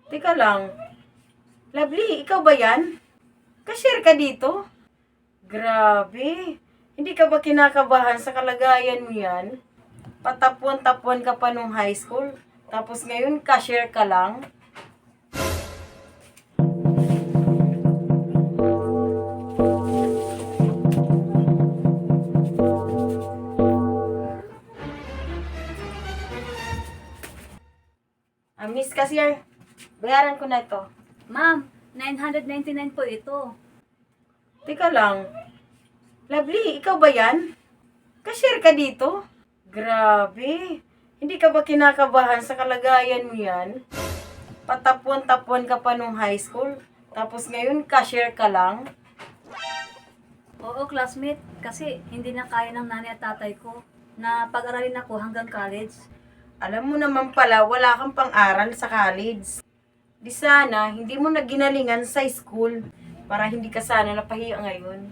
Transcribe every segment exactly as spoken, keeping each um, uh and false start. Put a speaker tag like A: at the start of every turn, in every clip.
A: Teka lang. Lovely, ikaw ba yan? Cashier ka dito? Grabe. Hindi ka ba kinakabahan sa kalagayan mo yan? Patapuan-tapuan ka pa nung high school. Tapos ngayon, cashier ka lang? Ah, Miss Cashier, bayaran ko na ito.
B: Ma'am, nine hundred ninety-nine po ito.
A: Teka lang. Lovely, ikaw ba yan? Cashier ka dito? Grabe. Hindi ka ba kinakabahan sa kalagayan mo yan? Patapuan-tapuan ka pa nung high school. Tapos ngayon, cashier ka lang?
B: Oo, classmate, kasi hindi na kaya ng nanay at tatay ko na pag-aralin ako hanggang college.
A: Alam mo naman pala, wala kang pang-aral sa college. Di sana, hindi mo na ginalingan sa school para hindi ka sana napahiya ngayon.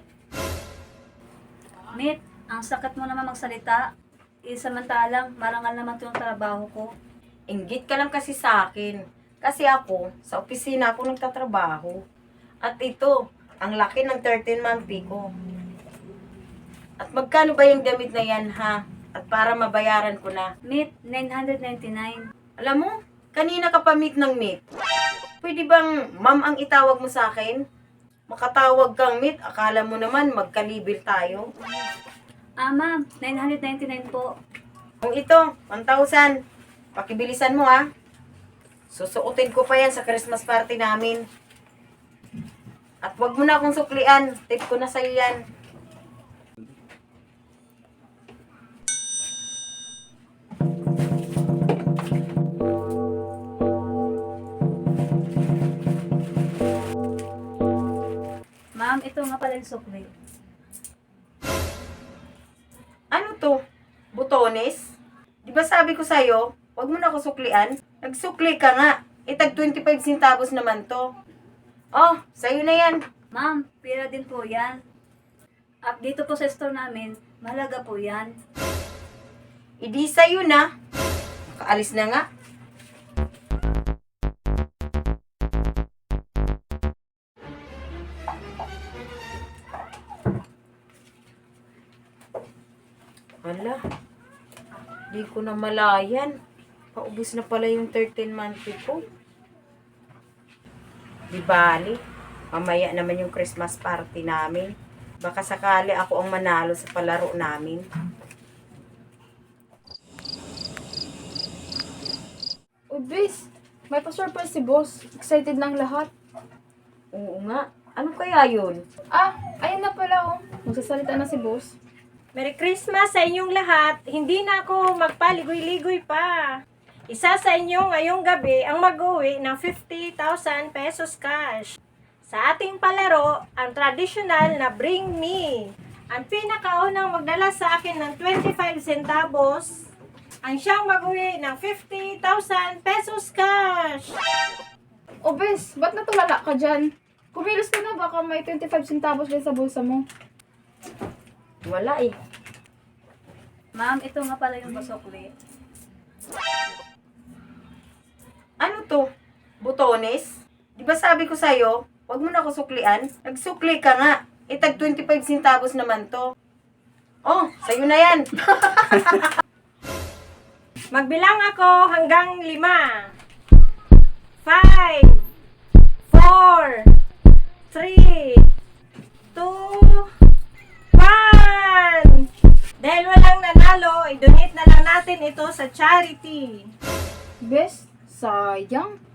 B: Mate, ang sakit mo naman magsalita. Eh, samantalang, marangal naman ito yung trabaho ko.
A: Inggit ka lang kasi sa akin. Kasi ako, sa opisina ako nagtatrabaho. At ito, ang laki ng thirteen month pay ko. At magkano ba yung damit na yan, ha? At para mabayaran ko na.
B: Mate, nine hundred ninety-nine.
A: Alam mo, kanina ka pa meet ng meet. Pwede bang ma'am ang itawag mo sa akin? Makatawag kang meet, akala mo naman magkalibil tayo.
B: Ah, ma'am, nine hundred ninety-nine po.
A: Kung ito, one thousand. Pakibilisan mo, ha? Susuotin ko pa yan sa Christmas party namin. At wag mo na akong suklian. Tip ko na sa'yo yan.
B: Ma'am, ito nga pala yung sukli.
A: Ano to? Butones? Di ba sabi ko sa'yo, wag mo na ako suklian? Nagsukli ka nga. Itag twenty-five centavos naman to. Oh, sa'yo na yan.
B: Ma'am, pira din po yan. At dito po sa store namin, mahalaga po yan.
A: Idi sa'yo na. Kaalis na nga. Hala, di ko na malayan. Paubos na pala yung thirteen month pay ko. Di bali, mamaya naman yung Christmas party namin. Baka sakali ako ang manalo sa palaro namin.
C: Ubis, may pa-surprise si boss. Excited ng lahat.
A: Oo nga, ano kaya yun?
C: Ah, ayun na pala oh. Magsasalita na si boss.
D: Merry Christmas sa inyong lahat. Hindi na ako magpaligoy-ligoy pa. Isa sa inyo ngayong gabi ang mag-uwi ng fifty thousand pesos cash. Sa ating palaro, ang traditional na Bring Me. Ang pinakaunang magdala sa akin ng twenty-five centavos, ang siyang mag-uwi ng fifty thousand pesos cash.
C: Ubis, ba't natulala ka dyan? Kumilos ka na, baka may twenty-five centavos din sa bulsa mo.
A: Wala eh.
B: Ma'am, ito nga pala yung sukli.
A: Ano to? Butones? Di ba sabi ko sa'yo, wag mo na ako suklian? Nagsukli ka nga. Itag twenty-five centavos naman to. Oh, sa'yo na yan.
D: Magbilang ako hanggang lima. Five, four, three, two, one. Dahil walang nanalo, i-donate na lang natin ito sa charity.
C: Bes, sayang.